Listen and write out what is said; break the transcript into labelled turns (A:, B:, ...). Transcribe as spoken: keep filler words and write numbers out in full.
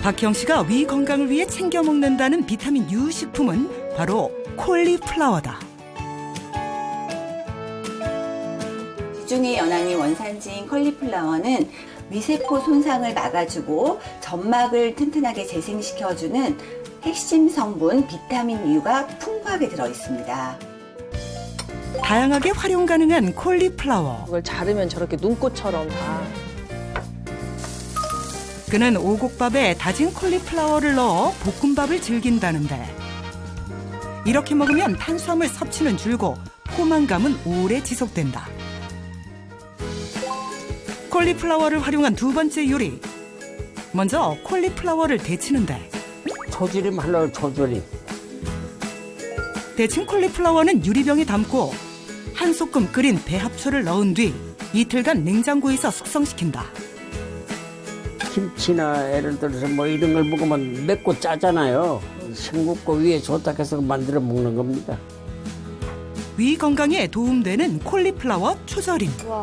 A: 박형 씨가 위 건강을 위해 챙겨 먹는다는 비타민 U 식품은 바로 콜리플라워다.
B: 지중해 연안이 원산지인 콜리플라워는 위세포 손상을 막아주고 점막을 튼튼하게 재생시켜주는 핵심 성분 비타민 U가 풍부하게 들어 있습니다.
A: 다양하게 활용 가능한 콜리플라워.
C: 그걸 자르면 저렇게 눈꽃처럼 다.
A: 그는 오곡밥에 다진 콜리플라워를 넣어 볶음밥을 즐긴다는데 이렇게 먹으면 탄수화물 섭취는 줄고 포만감은 오래 지속된다. 콜리플라워를 활용한 두 번째 요리. 먼저 콜리플라워를 데치는데
D: 초절임 하려고 초절임.
A: 데친 콜리플라워는 유리병에 담고 한 소끔 끓인 배합초를 넣은 뒤 이틀간 냉장고에서 숙성시킨다.
D: 김치나 예를 들어서 뭐 이런 걸 먹으면 맵고 짜잖아요. 싱겁고 위에 좋다 해서 만들어 먹는 겁니다.
A: 위 건강에 도움되는 콜리플라워 초절임.